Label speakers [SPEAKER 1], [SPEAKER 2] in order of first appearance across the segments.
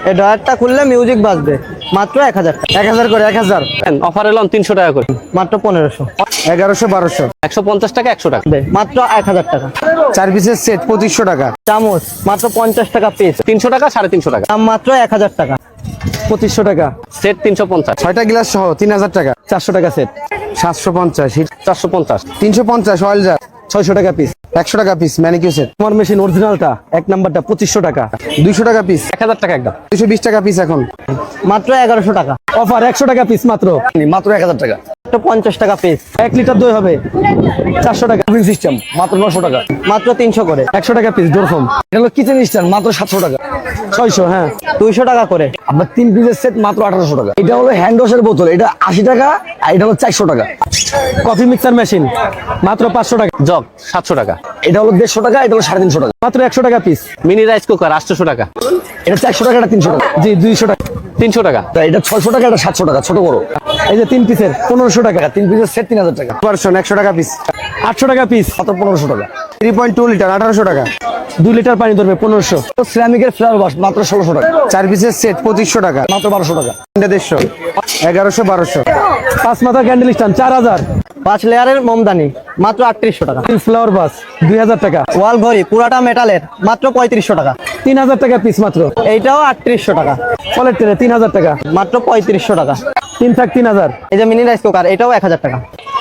[SPEAKER 1] এই ড্রয়ারটা খুললে মিউজিক বাজবে মাত্র 1000 টাকা।
[SPEAKER 2] 1000 করে 1000
[SPEAKER 3] অফার এলাম 300 টাকা করে,
[SPEAKER 1] মাত্র 1500
[SPEAKER 2] 1100 1200
[SPEAKER 3] 150 টাকা 100 টাকা।
[SPEAKER 1] মাত্র 1000 টাকা।
[SPEAKER 2] 4 পিসের সেট 2500 টাকা।
[SPEAKER 1] চামচ মাত্র 50 টাকা পিস,
[SPEAKER 3] 300 টাকা 350 টাকা।
[SPEAKER 1] দাম মাত্র 1000 টাকা।
[SPEAKER 2] 2500 টাকা।
[SPEAKER 3] সেট 350,
[SPEAKER 2] 6টা গ্লাস সহ 3000 টাকা।
[SPEAKER 1] 400 টাকা সেট,
[SPEAKER 2] 750 হিট
[SPEAKER 3] 450,
[SPEAKER 2] 350 অয়েল জার
[SPEAKER 1] 600 টাকা পিস।
[SPEAKER 2] 100 টাকা পিস ম্যানিকিউর সেট।
[SPEAKER 1] আমার মেশিন অরিজিনালটা 1 নাম্বারটা 2500 টাকা,
[SPEAKER 2] 200 টাকা পিস।
[SPEAKER 3] 1000 টাকা একদম।
[SPEAKER 2] 220 টাকা পিস এখন
[SPEAKER 1] মাত্র 1100 টাকা।
[SPEAKER 2] অফার 100 টাকা পিস মাত্র 1000 টাকা।
[SPEAKER 1] মাত্র 50 টাকা পিস।
[SPEAKER 2] 1 লিটার দই হবে 400 টাকা। কুলিং সিস্টেম মাত্র 900 টাকা।
[SPEAKER 1] মাত্র 300 করে।
[SPEAKER 2] 100 টাকা পিস ডোর ফোম। এটা হলো কিচেন স্ট্যান্ড মাত্র 700 টাকা। 600 হ্যাঁ
[SPEAKER 1] 200 টাকা করে।
[SPEAKER 2] আপনার 3 পিসের সেট মাত্র 1800 টাকা। এটা হলো হ্যান্ড ওয়াশের বোতল, এটা 80 টাকা আর এটা হলো 400 টাকা।
[SPEAKER 1] কফি মিক্সার মেশিন মাত্র 500 টাকা।
[SPEAKER 3] জগ 700 টাকা।
[SPEAKER 2] এটা হলো 150 টাকা, এটা হলো 350 টাকা।
[SPEAKER 1] মাত্র 100 টাকা পিস।
[SPEAKER 3] মিনি রাইস কুকার 800 টাকা।
[SPEAKER 2] এটা 400 টাকা, এটা 300 টাকা।
[SPEAKER 1] জি 200 টাকা।
[SPEAKER 3] 300 টাকা।
[SPEAKER 2] তা এটা 600 টাকা, এটা 700 টাকা ছোট বড়।
[SPEAKER 1] এই যে 3 পিসের 1500 টাকা।
[SPEAKER 2] 3 পিসের সেট 3000 টাকা। ভার্সন 100 টাকা পিস
[SPEAKER 1] 800 টাকা পিস।
[SPEAKER 2] মাত্র 1500 টাকা। 3.2 লিটার 1800 টাকা।
[SPEAKER 1] 2 লিটার পানি ধরবে 1500।
[SPEAKER 2] সিরামিকের ফ্লাওয়ার বাস মাত্র 1600 টাকা। 4 পিসের সেট 2500 টাকা। মাত্র 1200 টাকা। 150 1100 1200।
[SPEAKER 1] 5 মাথা ক্যান্ডেল স্ট্যান্ড 4000। 5 লেয়ারের মোমদানি মাত্র 3800 টাকা। ফ্লাওয়ার বাস 2000 টাকা। ওয়াল ঘড়ি পুরাটা মেটালের মাত্র 3500 টাকা।
[SPEAKER 2] 3000 টাকা পিস মাত্র।
[SPEAKER 1] এইটাও 3800 টাকা।
[SPEAKER 2] ফলের ট্রে 3000 টাকা।
[SPEAKER 1] মাত্র 3500 টাকা।
[SPEAKER 2] 3 থাক 3000।
[SPEAKER 1] এই যে মিনি রাইস কুকার এটাও 1000 টাকা।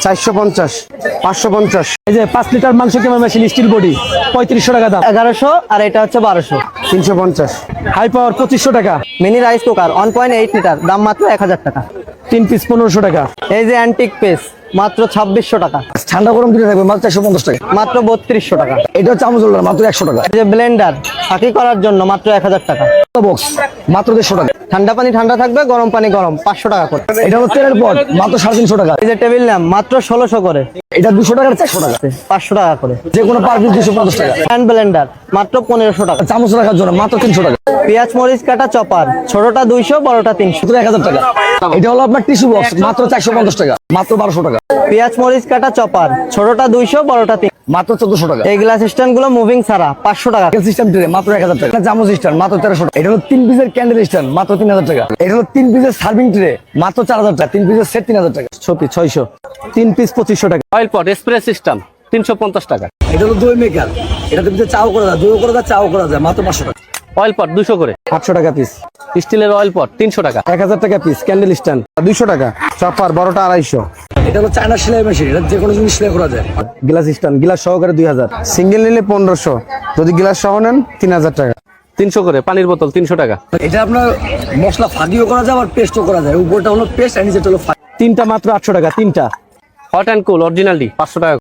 [SPEAKER 2] 450 550।
[SPEAKER 1] এই যে 5 লিটার মাংস কেমার মেশিন স্টিল বডি 3500 টাকা দাম। 1100 আর এটা হচ্ছে 1200।
[SPEAKER 2] 350।
[SPEAKER 1] হাই পাওয়ার 2500 টাকা। মিনি রাইস কুকার 1.8 লিটার দাম মাত্র 1000 টাকা।
[SPEAKER 2] 3 পিস 1500 টাকা।
[SPEAKER 1] এই যে অ্যান্টিক পেস মাত্র 2600 টাকা।
[SPEAKER 2] ঠান্ডা গরম দিনে থাকবে মাত্র 450 টাকা।
[SPEAKER 1] মাত্র 3200 টাকা।
[SPEAKER 2] এটা হচ্ছে চামচ হোল্ডার মাত্র 100 টাকা।
[SPEAKER 1] এই যে ব্লেন্ডার ফাঁকি করার জন্য মাত্র 1000 টাকা।
[SPEAKER 2] বক্স মাত্র 150 টাকা।
[SPEAKER 1] ঠান্ডা পানি ঠান্ডা থাকবে, গরম পানি গরম 500 টাকা করে।
[SPEAKER 2] এটা হলো তেলের পট মাত্র 350 টাকা।
[SPEAKER 1] এই যে টেবিল ল্যাম্প মাত্র 1600 করে।
[SPEAKER 2] এটা 200 টাকা 400 টাকা।
[SPEAKER 1] 500 টাকা করে।
[SPEAKER 2] যে কোনো পার পিস 250 টাকা।
[SPEAKER 1] হ্যান্ড ব্লেন্ডার মাত্র 1500 টাকা।
[SPEAKER 2] চামচ রাখার জন্য মাত্র 300 টাকা।
[SPEAKER 1] পেঁয়াজ মরিচ কাটা চপার ছোটটা 200 বড়টা 300।
[SPEAKER 2] মাত্র 1000 টাকা। এটা হলো আপনার টিস্যু বক্স মাত্র 450 টাকা। মাত্র 1200 টাকা।
[SPEAKER 1] পেঁয়াজ মরিচ কাটা চপার ছোটটা 200 বড়টা 300।
[SPEAKER 2] মাত্র 1400 টাকা।
[SPEAKER 1] এই গ্লাস স্ট্যান্ড গুলো মুভিং ছাড়া 500 টাকা।
[SPEAKER 2] সিস্টেম ট্রে মাত্র 1000 টাকা। চামচ স্ট্যান্ড মাত্র 1300 টাকা। এটা হলো 3 পিসের ক্যান্ডেল স্ট্যান্ড মাত্র 3000 টাকা। এটা হলো 3 পিসের সার্ভিং ট্রে মাত্র 4000 টাকা। 3 পিসের সেট 3000 টাকা।
[SPEAKER 1] ছপি 600। 3 পিস 2500 টাকা।
[SPEAKER 3] অয়েল পট স্প্রে সিস্টেম 350 টাকা।
[SPEAKER 2] এটা হলো দই মেকার, এটাতে ভিতরে চাও করা যায়, দইও করা যায়, চাও করা যায় মাত্র 500 টাকা।
[SPEAKER 3] অয়েল পট 200 করে।
[SPEAKER 1] 800 টাকা পিস।
[SPEAKER 3] স্টিলের অয়েল পট 300 টাকা।
[SPEAKER 1] 1000 টাকা পিস ক্যান্ডেল স্ট্যান্ড।
[SPEAKER 2] 200 টাকা। চপার বড়টা 250। এটা হলো চায়না সেলাই মেশিন, এটা যে কোনো জিনিস সেলাই করা যায়।
[SPEAKER 1] গ্লাস স্ট্যান্ড গ্লাস সহকারে 2000।
[SPEAKER 2] সিঙ্গেল নিলে 1500, যদি গ্লাস সহ নেন 3000 টাকা।
[SPEAKER 3] 300 করে। পানির বোতল 300 টাকা।
[SPEAKER 2] এটা আপনার মশলা ফাঁকিও করা যায় আবার পেস্টও করা যায়। উপরটা হলো পেস্ট আর নিচেটা হলো ফাঁকি।
[SPEAKER 1] তিনটা মাত্র 800 টাকা। তিনটা
[SPEAKER 3] hot and cool original D 500 টাকা।